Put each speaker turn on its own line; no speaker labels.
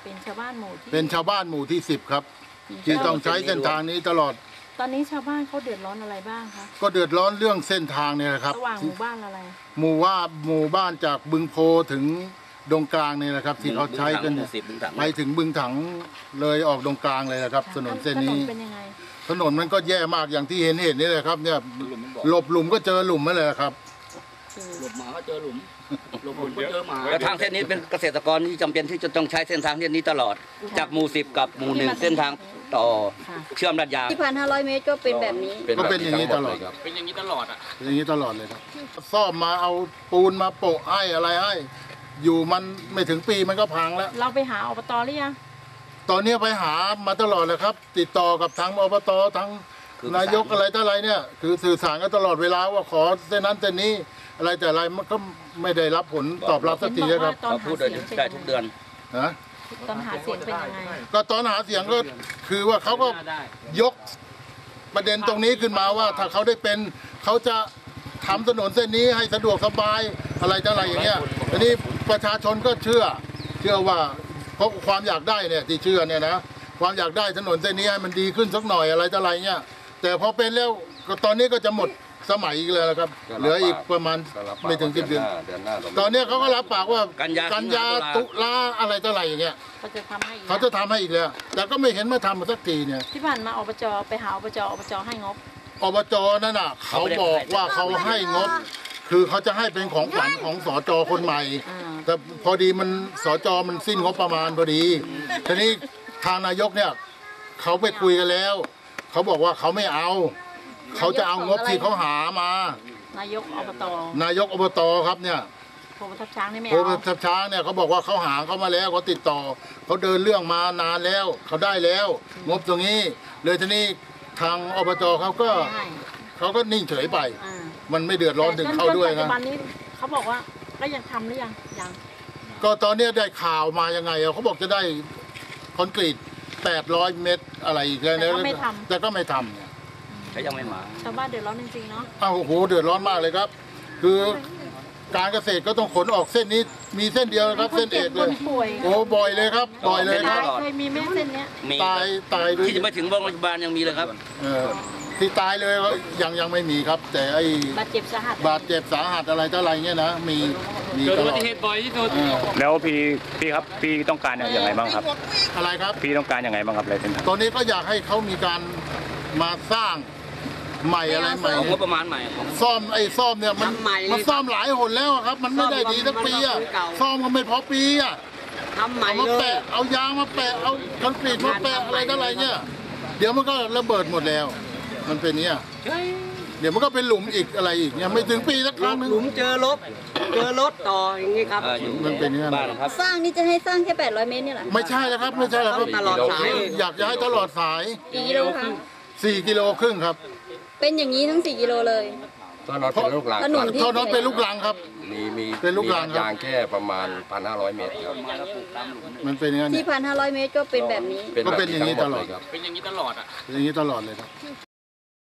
เป็นชาวบ้านหมู่ที่
เป็นชาวบ้านหมู่ที่10ครับที่ต้องใช้เส้นทางนี้ตลอด
ตอนนี้ชาวบ้านเขาเดือดร้อนอะไรบ้างคะ
ก็เดือดร้อนเรื่องเส้นทางเนี่ยนะครับ
ระหว่างหมู่บ้านอะไร
หมู่บ้านจากบึงโพถึงดงกลางเนี่ยนะครับที่เขาใช้กันไปถึงบึงถังเลยออกดงกลางเลยนะครับถนนเส้นนี้ถนนมันก็แย่มากอย่างที่เห็นนี่แหละครับเนี่ยหลบหลุมก็เจอหลุมนั่นแหละครับ
หลบหมาก็เจอหลุมหลบหลุมก็เจอหมาแล้วทางเส้นนี้เป็นเกษตรกรที่จำเป็นที่จะต้องใช้เส้นทางเส้นนี้ตลอดจากหมู่10กับหมู่1เส้นทางต่อเชื่อมลาดยาง
ที่1,500 เมตรก็เป็นแบบนี้
ก็เป็นอย่างนี้ตลอด
ครับเป็นอย่างนี้ตลอดอ่ะ
อย่างนี้ตลอดเลยครับซ่อมมาเอาปูนมาโปะให้อะไรให้อยู่มันไม่ถึงปีมันก็พังแล้ว
เราไปหาอบตหรือยัง
ตอนนี้ไปหามาตลอดเลยครับติดต่อกับทางอบตทั้งนายกอะไรต่ออะไรเนี่ยคือสื่อสารกันตลอดเวลาว่าขอเส้นนั้นเส้นนี้อะไรแต่อะไรมันก็ไม่ได้รับผลตอบรับสักทีครับ
เขาพูดได้ทุกเดือน
นะ
ตอนหาเสียงเป็นยังไง
ก็ตอนหาเสียงก็คือว่าเขาก็ยกประเด็นตรงนี้ขึ้นมาว่าถ้าเขาได้เป็นเขาจะทำถนนเส้นนี้ให้สะดวกสบายอะไรต่ออะไรอย่างเงี้ยทีนี้ประชาชนก็เชื่อว่าเพราะความอยากได้เนี่ยที่เชื่อเนี่ยนะความอยากได้ถนนเส้นนี้ให้มันดีขึ้นสักหน่อยอะไรต่ออะไรเงี้ยแต่พอเป็นแล้วตอนนี้ก็จะหมดสมัยอีกเลยครับเหลืออีกประมาณไม่ถึง10 เดือนตอนนี้เขาก็รับปากว่ากันยาตุลาอะไรต่ออะไรอย่างเงี้ยเขาจะทำให้อีกแล้วแต่ก็ไม่เห็นมาทำมาสักทีเนี่ย
ที่ผ่านมาอบจไปหาอบจให้งบ
อบจนั่นน่ะเขาบอกว่าเขาให้งบคือเขาจะให้เป็นของขวัญของสจคนใหม่แต่พอดีมันสจมันสิ้นงบประมาณพอดีทีนี้ทางนายกเนี่ยเขาไปคุยกันแล้วเขาบอกว่าเขาไม่เอาเขาจะเอางบที่เขาหามานายกอบตครับเนี่ย
โพทับช้างนี่ไม่เอา
โพทับช้างเนี่ยเขาบอกว่าเขาหาเขามาแล้วเขาติดต่อเขาเดินเรื่องมานานแล้วเขาได้แล้วงบตรงนี้เลยทีนี้ทางอบจเขาก็นิ่งเฉยไปมันไม่เดือดร้อนถึงเขาด้วยนะ
ปัจจุบันนี้เขาบอกว่าก็ยังทำหรือยัง
ก็ตอนนี้ได้ข่าวมายังไงเขาบอกจะได้คอนกรีต800 เมตรอะไรอีกแล้วแต่ก็ไม่ทำเนี่ย
เขายังไม่มา
ชาวบ้านเดือดร้อนจริงๆเนาะ
โอ้โหเดือดร้อนมากเลยครับคือการเกษตรก็ต้องขนออกเส้นนี้มีเส้นเดียวครับเส้นเอกเลยโอ้บ่อยเลยครับบ่อยเลยครับ
เคยมีแม่เส้นนี้
ตาย
ที่จะไปถึงโรงพยาบาลยังมีเลยครับ
ที่ตายเลยยังไม่มีครับแต่ไอ้
บาดเจ็บสา
หัสอะไรต่ออะไรเงี้ยนะมี
เกิดอุบัติเหตุบ่อยที่สุด
แล้วพี่ครับพี่ต้องการอย่างไรบ้างครับ
อะไรครับ
พี่ต้องการอย่างไรบ้างครับอะไรเป็น
ตอนนี้ก็อยากให้เขามีการมาสร้างใหม่อะไรใหม่
งบประมาณใหม่
ซ่อมเนี่ยมันซ่อมหลายหนแล้วครับมันไม่ได้ดีสักปีอะซ่อมก็ไม่พอปีอะ
ทำใหม่
มาแปะเอายางมาแปะเอาคอนกรีตมาแปะอะไรต่ออะไรเนี่ยเดี๋ยวมันก็ระเบิดหมดแล้วมันเป็นเนี้ยเดี๋ยวมันก็เป็นหลุมอีกอะไรอีกเนี่ยไม่ถึงปีสักครั้งนึง
หลุมเจอรถต่ออย่างนี้ครับ
มันเป็นเนี้ย
สร้างนี่จะให้สร้างแค่800 เมตรนี่แหละ
ไม่ใช่แล้วครับไม่ใช่แล้วครับ
ตลอดสาย
อยากจะให้ตลอดสาย
กี่กิโลคะ
4 กิโลครึ่งครับ
เป็นอย่างนี้ทั้ง4 กิโลเลย
ถนนเป็นลูกรัง
ถนนเป็นลูกรังครับ
มี
เป็นลูกรัง
ยางแค่ประมาณ 1,500 เมตรครับ
มันเป็นอย่างนี้
ที่1,500 เมตรก็เป็นแบบนี้
ก็เป็นอย่างนี้ตลอด
เป็นอย่างนี้ตลอดอ่ะ
อย่างนี้ตลอดเลยครับ